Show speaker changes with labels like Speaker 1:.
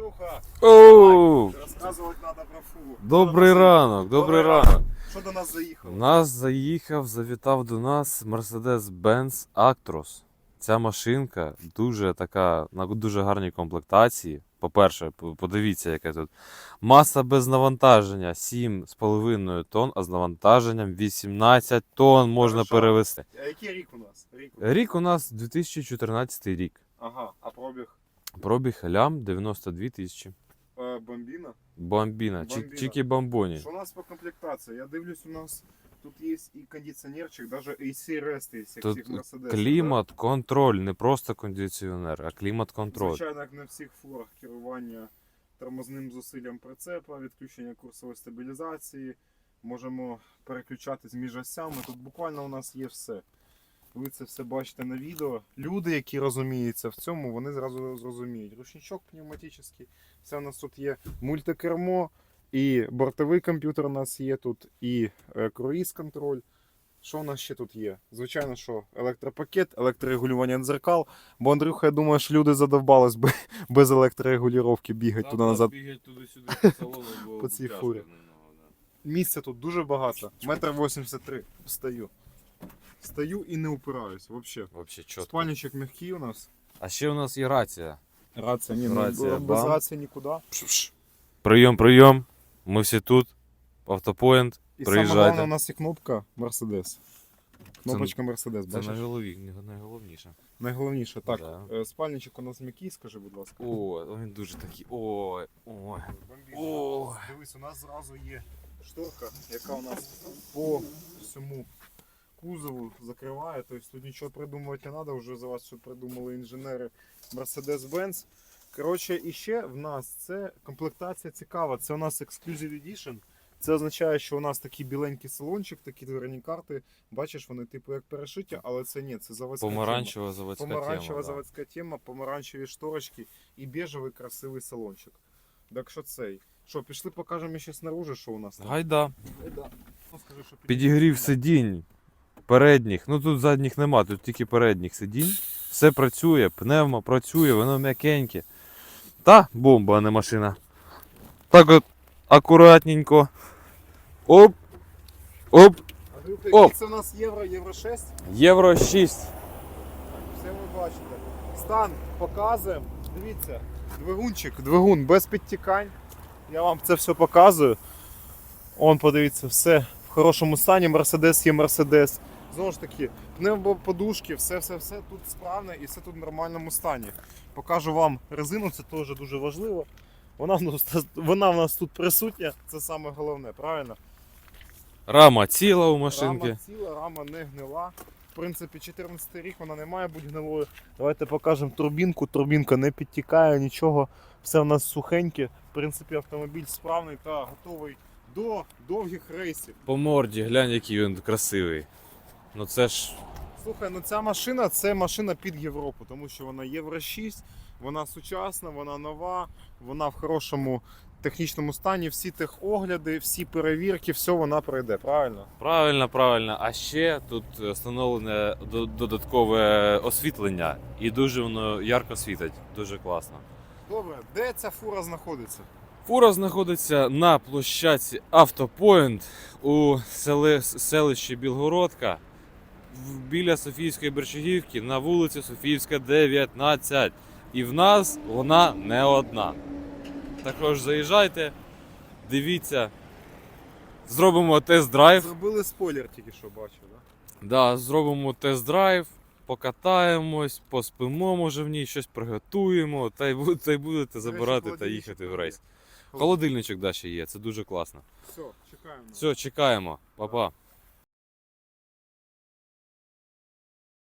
Speaker 1: Андрюха,
Speaker 2: Оу!
Speaker 1: розказувати треба про фуру.
Speaker 2: Добрий ранок, добрий ранок.
Speaker 1: Що до нас заїхало?
Speaker 2: Завітав до нас Mercedes-Benz Actros. Ця машинка дуже така, на дуже гарній комплектації. По-перше, подивіться, яке тут. Маса без навантаження 7,5 тонн, а з навантаженням 18 тонн можна
Speaker 1: Хорошо.
Speaker 2: перевезти.
Speaker 1: А який рік у нас?
Speaker 2: Рік у нас 2014 рік.
Speaker 1: Ага, а пробіг?
Speaker 2: Пробіг лям 92 тисячі.
Speaker 1: Бомбіна?
Speaker 2: Бомбіна,
Speaker 1: Бомбіна.
Speaker 2: чики бомбоні.
Speaker 1: Що у нас по комплектації? Я дивлюсь, у нас тут є і кондиціонерчик, навіть AC Rest є, як
Speaker 2: Тут
Speaker 1: всіх Mercedes.
Speaker 2: клімат-контроль, не просто кондиціонер, а клімат-контроль.
Speaker 1: Звичайно, як на всіх фурах керування тормозним зусиллям прицепа, відключення курсової стабілізації. Можемо переключатись між осями. Тут буквально у нас є все. Ви це все бачите на відео. Люди, які розуміються в цьому, вони зразу зрозуміють. Ручничок пневматичний, все у нас тут є мультикермо, і бортовий комп'ютер у нас є тут, і круїз-контроль. Що у нас ще тут є? Звичайно, що електропакет, електрорегулювання дзеркал. Бо, Андрюха, я думаю, що люди задовбались без електрорегулювання бігати туди-назад.
Speaker 2: Бігать туди-сюди по салону, бо
Speaker 1: По цій
Speaker 2: тяжко
Speaker 1: фурі.
Speaker 2: немного, да.
Speaker 1: Місця тут дуже багато. 1,83 м. Стою. Стою і не упираюсь, взагалі.
Speaker 2: Вообще чітко.
Speaker 1: Спальничок м'який у нас.
Speaker 2: А ще у нас є рація.
Speaker 1: Рація, ні,
Speaker 2: Рація,
Speaker 1: без
Speaker 2: бам.
Speaker 1: рації нікуди.
Speaker 2: Прийом. Ми всі тут. Автопоінт.
Speaker 1: І саме
Speaker 2: Приїжджайте.
Speaker 1: головне, у нас є кнопка Mercedes. Кнопочка Mercedes,
Speaker 2: Це
Speaker 1: бачиш?
Speaker 2: найголовніше.
Speaker 1: Найголовніше, так.
Speaker 2: Да.
Speaker 1: Спальничок у нас м'який, скажи, будь ласка.
Speaker 2: О, він дуже такий. Ой. О.
Speaker 1: Дивись, у нас зразу є шторка, яка у нас по всьому кузову закриває. Тобто тут нічого придумувати не треба, вже за вас все придумали інженери Mercedes-Benz. Коротше, і ще в нас це комплектація цікава. Це у нас Exclusive Edition. Це означає, що у нас такий біленький салончик, такі дверні карти. Бачиш, вони типу як перешиття, але це ні, це заводська
Speaker 2: Помаранчева заводська
Speaker 1: тема. Помаранчева
Speaker 2: тема.
Speaker 1: заводська тема, помаранчеві шторочки і бежевий красивий салончик. Так що цей. Що, пішли покажемо ще снаружи, що у нас там?
Speaker 2: Гайда.
Speaker 1: Ну, скажи, що
Speaker 2: Підігрів сидінь. Передніх. Ну тут задніх нема, тут тільки передніх сидінь. Все працює, пневмо працює, воно м'якеньке. Та бомба, а не машина. Так от акуратненько. Оп. Оп.
Speaker 1: Андрюха,
Speaker 2: Оп.
Speaker 1: який це у нас євро 6?
Speaker 2: Євро 6.
Speaker 1: Все ви бачите. Стан показуємо. Дивіться, двигун без підтікань. Я вам це все показую. Он, подивіться, все в хорошому стані. Mercedes є Mercedes. Знову ж таки, пневмоподушки, все тут справне і все тут в нормальному стані. Покажу вам резину, це теж дуже важливо. Вона в нас тут присутня, це саме головне, правильно?
Speaker 2: Рама ціла у машинки.
Speaker 1: Рама ціла, рама не гнила. В принципі, 14 рік вона не має бути гнилою. Давайте покажемо турбінку. Турбінка не підтікає, нічого. Все в нас сухеньке. В принципі, автомобіль справний та готовий до довгих рейсів.
Speaker 2: По морді, глянь, який він красивий. Ну це ж.
Speaker 1: Слухай, ну ця машина це машина під Європу, тому що вона Євро 6, вона сучасна, вона нова, вона в хорошому технічному стані, всі техогляди, всі перевірки, все вона пройде, правильно?
Speaker 2: Правильно. А ще тут встановлене додаткове освітлення. І дуже воно ярко світить. Дуже класно.
Speaker 1: Добре, де ця фура знаходиться?
Speaker 2: Фура знаходиться на площадці Автопоінт у селищі Білгородка біля Софійської Бершагівки на вулиці Софіївська, 19. І в нас вона не одна. Також заїжджайте, дивіться, зробимо тест-драйв.
Speaker 1: Зробили спойлер тільки що бачив, так?
Speaker 2: Да, зробимо тест-драйв, покатаємось, поспимо, може в ній щось приготуємо, та й будете забирати та їхати в рейс. Холодильничок ще є, це дуже класно.
Speaker 1: Все, чекаємо.
Speaker 2: Все, чекаємо. Па-па.